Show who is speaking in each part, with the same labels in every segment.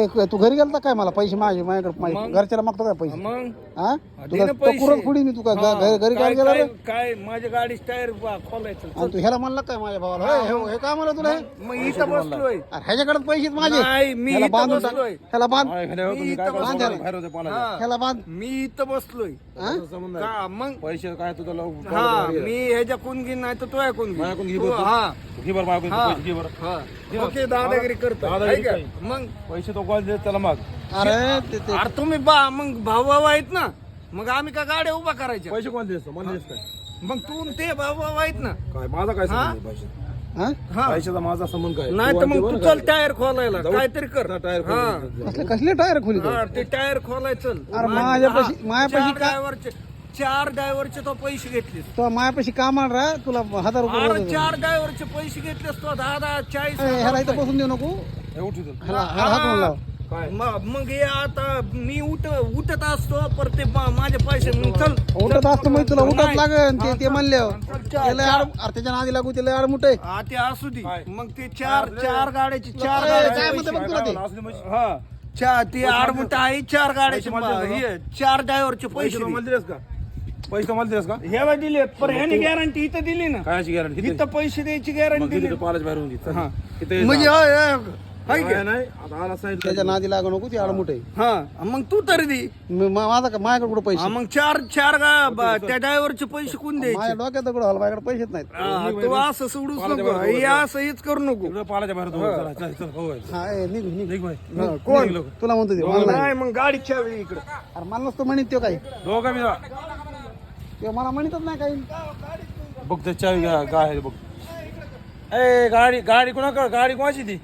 Speaker 1: तू घरी गेलता काय मला पैसे माझ्याकडे घरच्याला मागतो काय पैसे
Speaker 2: मग
Speaker 1: हा
Speaker 2: दे ना पैसे.
Speaker 1: कुरत पुढी मी तुका घरी काय गेला रे
Speaker 2: काय माझ्या गाडीच टायर खोलायचं.
Speaker 1: आणि तू ह्याला म्हणला काय माझ्या भावाला हे काय म्हणलं तुला
Speaker 2: मग इथं बसलोय.
Speaker 1: अरे ह्याच्याकडे पैसे माझे
Speaker 2: नाही, मी
Speaker 1: ह्याला
Speaker 2: इथं
Speaker 1: बांधून टाक.
Speaker 2: बसलोय.
Speaker 1: ह्याला बांध
Speaker 2: मी इथं
Speaker 1: बांध
Speaker 2: बसलोय.
Speaker 1: ह्याला. ह्याला बांध
Speaker 2: मी इथं बसलोय.
Speaker 1: हा?
Speaker 2: का मग
Speaker 3: पैसे काय तुझा
Speaker 2: हा मी ह्याच्या कोण घेईन नाही तर तो ऐकून
Speaker 3: माझ्याकडून घे
Speaker 2: घे.
Speaker 3: बरं.
Speaker 2: हा
Speaker 3: घे बरं माझ्याकडून
Speaker 2: हा.
Speaker 3: पैसे घे बरं.
Speaker 2: हा. ओके दादागिरी करतो
Speaker 3: दादागिरी
Speaker 2: ऐका.
Speaker 3: काय?
Speaker 2: मग
Speaker 3: पैसे तो कॉल देत त्याला माग.
Speaker 1: अरे ते
Speaker 2: अरे तुम्ही मग भाऊ आहेत ना, मग आम्ही का गाड्या उभा करायच्या.
Speaker 3: पैसे कोण देतो मला देस काय
Speaker 2: मग तू ते भाऊ आहेत ना.
Speaker 3: काय माझा काय
Speaker 2: हा?
Speaker 3: संबंध आहे पैसे
Speaker 1: हा
Speaker 2: हा
Speaker 3: पैशाचा माझा संबंध काय
Speaker 2: नाही तर मग तू चल टायर खोलायला काहीतरी कर.
Speaker 3: टायर
Speaker 2: हा.
Speaker 1: कसले टायर खोली
Speaker 2: हा, ते टायर खोलाय चल.
Speaker 1: अरे माझ्यापाशी का
Speaker 2: चार ड्रायव्हरचे तो पैसे घेतलेस.
Speaker 1: तो माझ्यापाशी कामाला राह तुला 1000 रुपये
Speaker 2: अरे
Speaker 1: देतो.
Speaker 2: 4 ड्रायव्हरचे पैसे घेतलेस तो 10-40
Speaker 1: ह्याला इथं बसून देऊ नको ह्याला हात म्हणून लाव
Speaker 3: काय
Speaker 2: मग हे आता मी उठत असतो पर ते माझे पैसे मग चल
Speaker 1: उठत असतो मग तुला उठत
Speaker 2: नाही.
Speaker 1: लागन ते
Speaker 2: हा,
Speaker 1: म्हणले
Speaker 2: चल,
Speaker 1: त्याच्या नादी लागू त्याला आड मुठे
Speaker 2: हा ते असू दे. मग ते चार गाड्याची चार
Speaker 1: काय
Speaker 2: गाड्या
Speaker 1: म्हणते बघ तुला ते
Speaker 3: असले म्हणजे
Speaker 2: हा ती आडमुठ आहे 4 गाड्याचे हे 4 ड्रायव्हरचे पैसे
Speaker 3: पैसे
Speaker 2: दे.
Speaker 3: मला दिलेस का पैसे मला दिलेस का
Speaker 2: हे दिले पण ह्याने गॅरंटी इथं दिली ना.
Speaker 3: कायची गॅरंटी
Speaker 2: इथं पैसे द्यायची गॅरंटी दिली.
Speaker 3: पालच बाहेर होऊन घे
Speaker 2: हा.
Speaker 3: किती
Speaker 2: म्हणजे हाय
Speaker 3: काय नाही आता आला सांगितलं
Speaker 1: त्याच्या नादी लागू नको ती आड मुठे
Speaker 2: हा मग तू तरी दे.
Speaker 1: माझ्याकडे कुठे पैसे
Speaker 2: हा, मग चार त्या ड्रायव्हरचे पैसे कोण द्यायचे.
Speaker 1: माझ्या डोक्यात दगड हल माझ्याकडे पैसेच नाहीत
Speaker 2: हा, तू असं सोडूच नको हे असं हेच करू नको.
Speaker 3: इकडं पालाच्या बाहेर होतो. चला, चल, चल, हो, होय.
Speaker 1: हा निघ निघ
Speaker 3: निघ बाई.
Speaker 2: हा, कोण
Speaker 3: निघ लोक.
Speaker 1: तुला म्हणतो ते मला नाही.
Speaker 2: नाही मग गाडी चावी इकडे.
Speaker 1: अरे मला नसतं म्हणत तो काही
Speaker 3: दोघं मी जा.
Speaker 1: ते मला म्हणतच नाही काही
Speaker 3: बघ ते चावी काय आहे बघ. ए गाडी कोणाची ती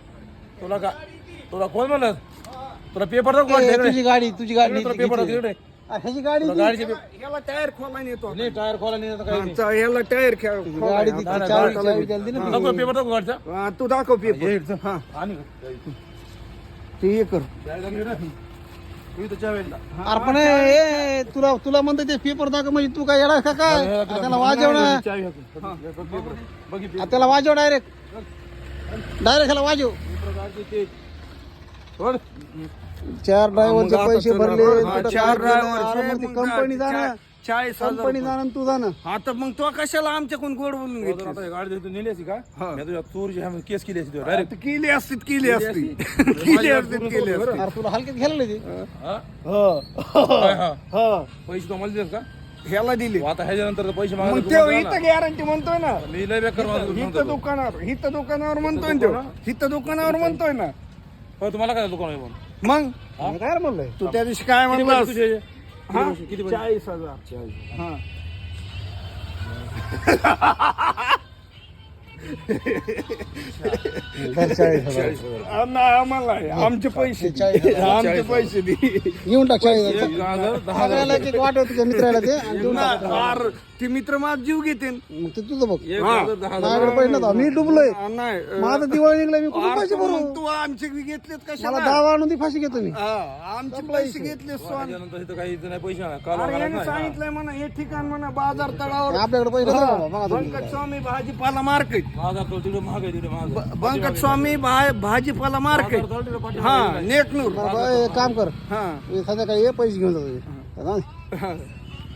Speaker 3: तुला कोण म्हणलं तुला पेपर दाखव
Speaker 1: ए, तुझी गाडी
Speaker 3: तुला पेपर
Speaker 1: घेतली.
Speaker 3: दाखव
Speaker 1: अरे, ह्याची गाडी ती.
Speaker 3: गाडीचे
Speaker 2: ह्याला टायर खोलायला येतो.
Speaker 3: नाही टायर खोला नाही आता काही नाही.
Speaker 2: ह्याला टायर
Speaker 1: गाडी ती चावी द्यायला दे ना ती.
Speaker 3: दाखव पेपर दाखव गाडीचा
Speaker 2: तू दाखव पेपर.
Speaker 3: ये इथं.
Speaker 2: हा
Speaker 3: आणि
Speaker 2: ते हे कर.
Speaker 3: तू इथं चावी आहे ना.
Speaker 1: अरे पण ए, तुला म्हणतो ते पेपर दाखव म्हणजे तू काय येणार का काय त्याला वाजव ना
Speaker 3: चावी हाकून. बघ पेपर. बघ हे पेपर.
Speaker 1: त्याला वाजव डायरेक्ट ह्याला वाजव
Speaker 3: पेपर गाडीचे ते. सोड.
Speaker 1: 4 ड्रायव्हरचे पैसे भरले
Speaker 2: हा, 4 ड्रायव्हरचे
Speaker 1: कंपनी जाणं
Speaker 2: 40,000
Speaker 1: कंपनी जाणं तू जाणं
Speaker 2: आता मग तो कशाला आमच्याकडून गोड बोलून
Speaker 3: तर
Speaker 2: घेतली.
Speaker 3: आता हे गाडी तू नेली असती का
Speaker 2: हा.
Speaker 3: मी तुझ्या चोरीची ह्या केस केली असती डायरेक्ट
Speaker 2: केली असती केली असती केली असती.
Speaker 1: अरे तुला हलक्यात घ्यायला ते
Speaker 3: पैसे तो मला देस का
Speaker 2: ह्याला दिली.
Speaker 3: आता ह्याच्यानंतर पैसे
Speaker 2: मग
Speaker 3: मागायला
Speaker 2: ते
Speaker 3: तू म्हणतो
Speaker 2: इथं गॅरंटी म्हणतोय ना.
Speaker 3: ना. मी लय बेकार माणूस
Speaker 2: इथं
Speaker 3: म्हणतो.
Speaker 2: दुकानावर म्हणतोय ना तो. इथं दुकानावर म्हणतोय ना.
Speaker 3: हो तुम्हाला काय दुकान आहे म्हणून
Speaker 2: मग
Speaker 1: मी काय रे म्हणलंय
Speaker 2: तू त्या दिवशी काय
Speaker 3: किती
Speaker 2: म्हणलास.
Speaker 3: पैसे तुझे?
Speaker 2: हा?
Speaker 3: किती पैसे?
Speaker 2: 40,000. हा. आम्हाला आहे. आमचे पैसे दे.
Speaker 1: 40,000.
Speaker 2: आमचे पैसे दे.
Speaker 1: घेऊन टाक 40,000.
Speaker 3: 10,000.
Speaker 1: सगळ्याला एक वाटव तुझ्या मित्राला ते आणि देऊन टाक.
Speaker 2: अरे, ते मित्र माझ जीव घेते.
Speaker 1: मग ते तुझं बघ
Speaker 3: 1,000, 10,000.
Speaker 1: माझ्याकडे पैसे नव्हता मी डुबलोय
Speaker 2: नाही
Speaker 1: माझं दिवाळी निघलं मी कुठून पैसे भरू
Speaker 2: मग तू आमचे घेतलेत
Speaker 1: मला
Speaker 2: कशाला.
Speaker 1: दावा आणून ती फाशी घेतो मी
Speaker 2: आमचे पैसे घेतले स्वान.
Speaker 3: ह्याच्यानंतर इथं काही इथं नाही पैसे नाही. काल
Speaker 2: अरे
Speaker 3: वगैरे
Speaker 2: याने
Speaker 3: नाही.
Speaker 2: सांगितलंय म्हणा हे ठिकाण म्हणा बाजार तळावर
Speaker 1: आपल्याकडे पैसे नाही बाबा, बघा तुम्ही.
Speaker 2: बंकट स्वामी भाजीपाला मार्केट.
Speaker 3: बाजार तो तिकडे महाग आहे तिकडे महाग आहे.
Speaker 2: बंकट स्वामी भाजीपाला मार्केट.
Speaker 3: बाजार तो तिकडे पाठी-
Speaker 2: हा नेकनूर.
Speaker 1: बरं, एक काम कर
Speaker 2: हा
Speaker 1: संध्याकाळी ये पैसे घेऊन जातो